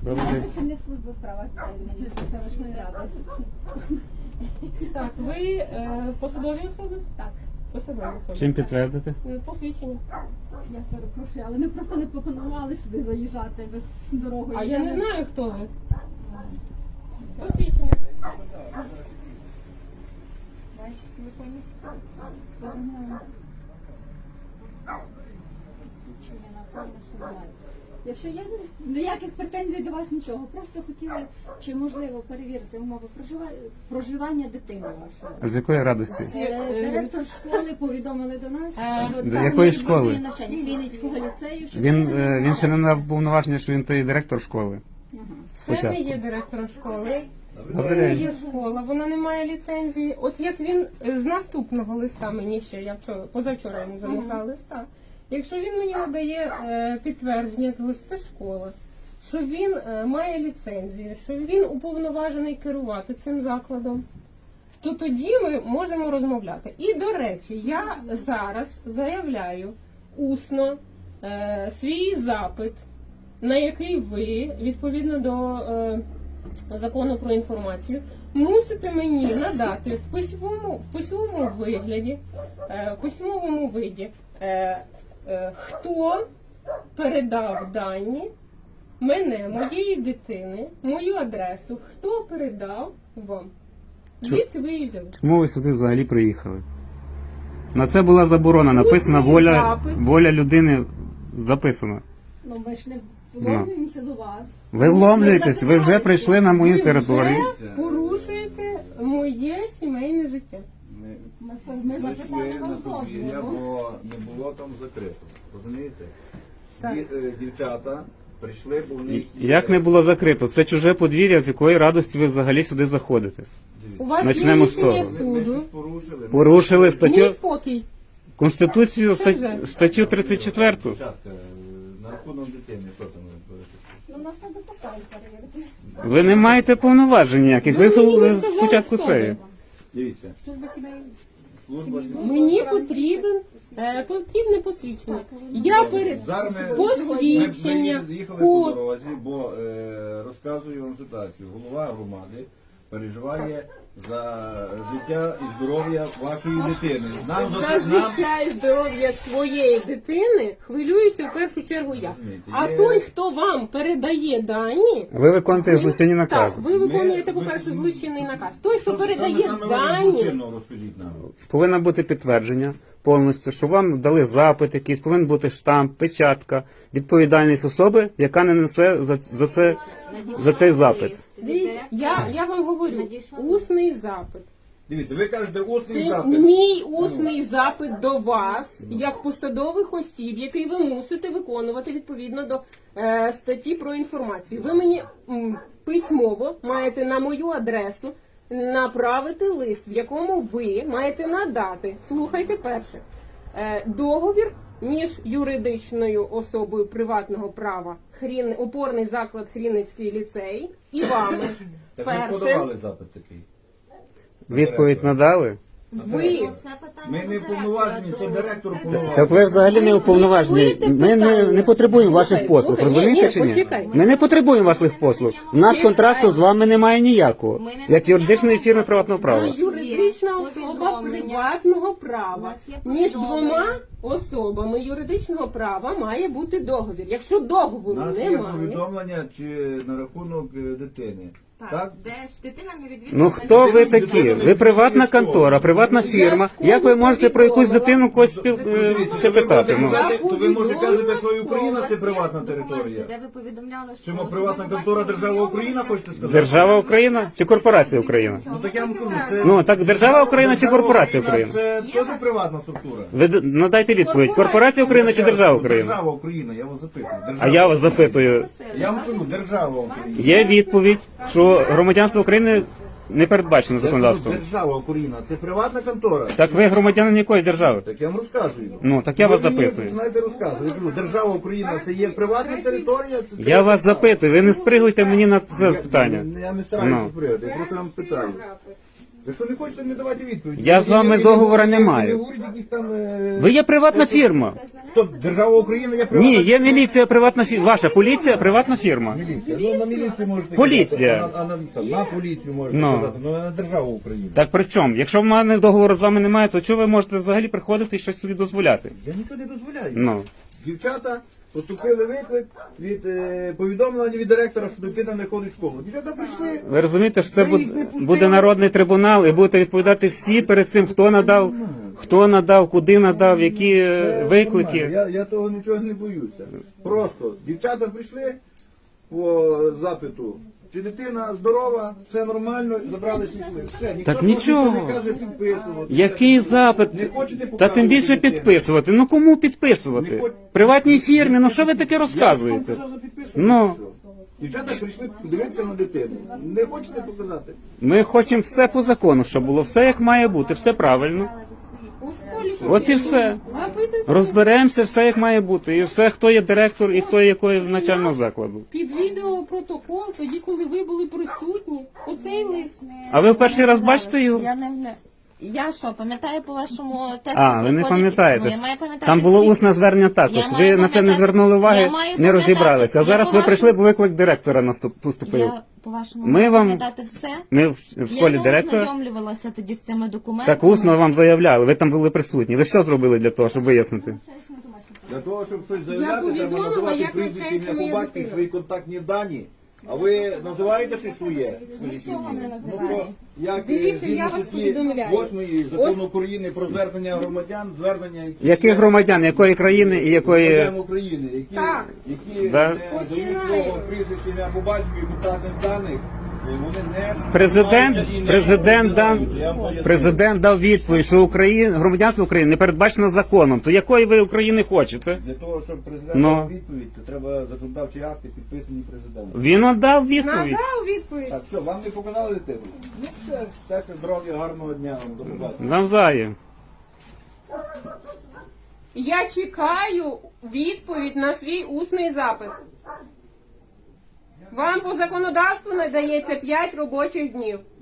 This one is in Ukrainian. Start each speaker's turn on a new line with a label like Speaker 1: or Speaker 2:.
Speaker 1: Працівник служби у справах селищної ради.
Speaker 2: Так, ви посадові особи?
Speaker 1: Так,
Speaker 2: Посадові особи.
Speaker 3: Чим підтвердити?
Speaker 2: Посвідчення.
Speaker 1: я перепрошую, але ми просто не пропонували сюди заїжджати без дороги.
Speaker 2: А я не знаю, хто ви. Посвідчення.
Speaker 1: Бачите, телефоні? Свідчення, напевно, що немає. Якщо є ніяких претензій до вас, нічого. Просто хотіли, чи можливо перевірити умови проживання дитини вашої.
Speaker 3: З якої радості?
Speaker 1: Директор школи повідомили до нас, що
Speaker 3: До
Speaker 1: там
Speaker 3: якої
Speaker 1: відвідує
Speaker 3: школи?
Speaker 1: навчання Хмельницького ліцею. Що
Speaker 3: Він ще не мав повноваження, що він той директор школи.
Speaker 2: Це не
Speaker 3: Спочатку.
Speaker 2: є директором школи.
Speaker 3: Добрий
Speaker 2: Це
Speaker 3: день.
Speaker 2: є школа, вона не має ліцензії. От як він з наступного листа мені ще, я позавчора йому занесла листа. Якщо він мені надає підтвердження, того що це школа, що він має ліцензію, що він уповноважений керувати цим закладом, то тоді ми можемо розмовляти. І, до речі, я зараз заявляю усно свій запит, на який ви, відповідно до закону про інформацію, мусите мені надати в письмовому виді, хто передав дані мене, моєї дитини, мою адресу, хто передав вам. Звідки ви її взяли?
Speaker 3: Чому ви сюди взагалі приїхали? На це була заборона, написана
Speaker 2: Усний запит.
Speaker 3: воля людини записана.
Speaker 1: Ну, ми ж не вломлюємося до вас.
Speaker 3: Ви вломлюєтесь, ви вже прийшли на мою територію.
Speaker 2: Ви вже порушуєте моє сімейне життя.
Speaker 1: Ми запитали
Speaker 4: Прийшли
Speaker 1: вас
Speaker 4: на подвір'я,
Speaker 1: дозволу.
Speaker 4: бо не було там закрито. Розумієте?
Speaker 2: Так.
Speaker 4: Дівчата прийшли, бо в них є...
Speaker 3: Як не було закрито? Це чуже подвір'я, з якої радості ви взагалі сюди заходите.
Speaker 2: У вас
Speaker 3: Почнемо
Speaker 2: є
Speaker 3: з
Speaker 2: рішення
Speaker 3: того.
Speaker 4: Ми щось
Speaker 2: суду.
Speaker 4: порушили.
Speaker 3: Порушили
Speaker 2: Мій
Speaker 3: статтю
Speaker 2: спокій.
Speaker 3: Конституцію,
Speaker 2: Це вже.
Speaker 3: статтю 34.
Speaker 4: Дівчатка, на рахунок дитини, що там ви говорите?
Speaker 1: Ну, нас треба поставити перевірити.
Speaker 3: Ви не маєте повноважень ніяких. Ви спочатку це.
Speaker 4: Дивіться,
Speaker 1: Служба сімейної.
Speaker 4: служба
Speaker 2: Мені потрібне посвідчення. Я перед
Speaker 4: Зараз ми
Speaker 2: посвідчення,
Speaker 4: їхали по
Speaker 2: код.
Speaker 4: дорозі, бо розказую вам ситуацію. Голова громади переживає за життя і здоров'я вашої дитини.
Speaker 2: За життя і здоров'я своєї дитини хвилююся в першу чергу я. А той, хто вам передає дані,
Speaker 3: Ви виконуєте злочинні
Speaker 2: так,
Speaker 3: накази.
Speaker 2: ви виконуєте, по-перше, злочинний наказ. Той, хто передає дані,
Speaker 4: розкажіть нам.
Speaker 3: Повинно бути підтвердження повністю, що вам дали запит якийсь, повинен бути штамп, печатка, відповідальність особи, яка не несе за цей запит.
Speaker 2: дивіться, я вам говорю, усний запит.
Speaker 4: Дивіться, ви кажете усний
Speaker 2: Це
Speaker 4: запит.
Speaker 2: мій усний запит до вас, як посадових осіб, який ви мусите виконувати відповідно до статті про інформацію. Ви мені письмово маєте на мою адресу направити лист, в якому ви маєте надати, слухайте перше, договір між юридичною особою приватного права, опорний заклад Хрінницький ліцей, і вами.
Speaker 4: Так ви ж
Speaker 2: Перше,
Speaker 4: подавали запит такий.
Speaker 3: Відповідь надали?
Speaker 2: ви
Speaker 4: Ми не уповноважені, це директор уповноважений.
Speaker 3: Так ви взагалі не уповноважені. Ми не потребуємо ваших послуг,
Speaker 2: Слухай,
Speaker 3: розумієте
Speaker 2: ні,
Speaker 3: чи ні?
Speaker 2: почекай.
Speaker 3: Ми не потребуємо ваших послуг. У нас контракту з вами немає ніякого, як юридичної фірми приватного права.
Speaker 2: юридична особа приватного права. Між двома особами юридичного права має бути договір. Якщо
Speaker 4: У
Speaker 2: договору
Speaker 4: нас є
Speaker 2: немає,
Speaker 4: повідомлення чи на рахунок дитини. Так?
Speaker 5: Де ж дитина не відвідує.
Speaker 3: Ну хто ви такі? Ви приватна контора, приватна фірма. Як ви можете про якусь дитину когось ще питати? Ну.
Speaker 4: То ви можете казати, що і Україна це приватна територія.
Speaker 5: Де ви повідомляли, що...
Speaker 4: Чому приватна контора держава Україна, хочете сказати?
Speaker 3: Держава Україна чи корпорація Україна?
Speaker 4: Ну так я вам кажу, це...
Speaker 3: Ну так держава Україна чи корпорація Україна?
Speaker 4: Це теж приватна структура.
Speaker 3: Ви надайте відповідь. Корпорація Україна чи держава Україна?
Speaker 4: Держава Україна, я вас запитую. Держава.
Speaker 3: А я вас запитую.
Speaker 4: Я вам кажу, держава Україна.
Speaker 3: Є відповідь, що громадянство України не передбачено законодавством.
Speaker 4: Держава Україна, це приватна контора.
Speaker 3: Так ви громадянин якої держави?
Speaker 4: Так я вам розказую.
Speaker 3: Ну, так я вас
Speaker 4: Ви мені,
Speaker 3: запитую.
Speaker 4: знаєте, розказую. Я кажу, держава Україна, це є приватна територія. Це
Speaker 3: Я вас запитую, ви не спригуйте мені на це питання.
Speaker 4: Я не стараюся
Speaker 3: Ну.
Speaker 4: сприяти, я просто вам питаю. Ви що не хочете, не давайте відповідь.
Speaker 3: Я з вами договора не маю.
Speaker 4: Ви говорите якісь там...
Speaker 3: Ви є приватна фірма.
Speaker 4: Хто? Держава України є приватна?
Speaker 3: Ні, є міліція, приватна фірма. Ваша поліція, приватна фірма.
Speaker 4: Міліція. Ну, на міліцію можете
Speaker 3: Поліція.
Speaker 4: казати, на поліцію можете
Speaker 3: Ну.
Speaker 4: казати, але на державу України.
Speaker 3: Так при чому? Якщо в мене договору з вами немає, то чого ви можете взагалі приходити і щось собі дозволяти?
Speaker 4: Я нічого не дозволяю.
Speaker 3: Ну.
Speaker 4: Дівчата поступили виклик від повідомлення від директора, що дитина не ходить в школу. Дівчата прийшли.
Speaker 3: Ви розумієте, що це
Speaker 4: Ви їх не пустили?
Speaker 3: буде народний трибунал і будете відповідати всі перед цим, хто надав, куди надав, які
Speaker 4: Це
Speaker 3: виклики.
Speaker 4: нормально. Я того нічого не боюся. Просто дівчата прийшли по запиту. Чи дитина здорова, все нормально, забрали пішли. Все, ніхто
Speaker 3: Так
Speaker 4: того
Speaker 3: нічого.
Speaker 4: не каже підписувати.
Speaker 3: Який
Speaker 4: Все.
Speaker 3: запит?
Speaker 4: Не хочете
Speaker 3: Та
Speaker 4: показувати
Speaker 3: тим більше
Speaker 4: дитину?
Speaker 3: підписувати. Ну кому
Speaker 4: Не
Speaker 3: підписувати?
Speaker 4: хоч-
Speaker 3: Приватній фірмі, ну що ви таке
Speaker 4: Я ж вам
Speaker 3: розказуєте?
Speaker 4: казав за підписувати.
Speaker 3: Ну.
Speaker 4: що? Дівчата прийшли подивитися на дитину. Не хочете показати?
Speaker 3: Ми хочемо все по закону, щоб було все як має бути, все правильно.
Speaker 2: У школі
Speaker 3: От і все.
Speaker 2: запитуйте.
Speaker 3: Розберемося, все як має бути. І все, хто є директор і хто є якої начального закладу.
Speaker 2: Під відеопротокол, тоді, коли ви були присутні, оцей лист.
Speaker 3: А ви в перший раз бачите його?
Speaker 5: Я що, пам'ятаю по вашому тексту?
Speaker 3: А, ви не
Speaker 5: проходить-
Speaker 3: пам'ятаєте.
Speaker 5: Ну, я маю пам'ятати
Speaker 3: Там було
Speaker 5: всі.
Speaker 3: усне звернення також.
Speaker 5: Я
Speaker 3: Ви
Speaker 5: маю
Speaker 3: на це не
Speaker 5: пам'ятати-
Speaker 3: звернули уваги,
Speaker 5: я маю
Speaker 3: не
Speaker 5: пам'ятати-
Speaker 3: розібралися. А
Speaker 5: я
Speaker 3: зараз
Speaker 5: по
Speaker 3: ви
Speaker 5: вашому-
Speaker 3: прийшли, бо виклик директора поступив.
Speaker 5: Я по-вашому
Speaker 3: Ми
Speaker 5: маю
Speaker 3: вам-
Speaker 5: пам'ятати все.
Speaker 3: Ми в школі
Speaker 5: Я
Speaker 3: директора
Speaker 5: ознайомлювалася тоді з цими документами.
Speaker 3: так усно вам заявляли. Ви там були присутні. Ви що зробили для того, щоб вияснити?
Speaker 4: Для того, щоб щось заявляти, треба
Speaker 2: повідомила,
Speaker 4: називати
Speaker 2: як
Speaker 4: прізвище,
Speaker 2: навчається
Speaker 4: ім'я по
Speaker 2: моя
Speaker 4: батькові,
Speaker 2: дитина.
Speaker 4: свої контактні дані. А ви називаєте щось своє?
Speaker 1: Нічого не
Speaker 4: Ну,
Speaker 1: називаю.
Speaker 4: то, як
Speaker 2: Дивіться,
Speaker 4: згідно
Speaker 2: я вас
Speaker 4: статті
Speaker 2: повідомляю.
Speaker 4: 8 закону України про звернення громадян, звернення
Speaker 3: Яких громадян, якої країни і якої.
Speaker 4: громадян України, які,
Speaker 2: Так.
Speaker 4: які
Speaker 3: Да.
Speaker 4: не дають
Speaker 2: Починає.
Speaker 4: свого прізвища, ім'я по батькові, контактних даних, вони не
Speaker 3: Президент,
Speaker 4: і не
Speaker 3: президент дав,
Speaker 4: розглядають. Я вам поясню.
Speaker 3: президент дав відповідь, що громадянство України не передбачено законом. То якої ви України хочете?
Speaker 4: Для того, щоб президент
Speaker 3: Ну.
Speaker 4: дав відповідь, то треба законодавчі акти підписані президентом.
Speaker 3: Він надав відповідь.
Speaker 2: Надав відповідь.
Speaker 4: Так, що, вам не показали дитину? Ну все, щастя, здоров'я, гарного дня вам, до побачення.
Speaker 3: Навзаєм.
Speaker 2: Я чекаю відповідь на свій усний запит. Вам по законодавству надається 5 робочих днів.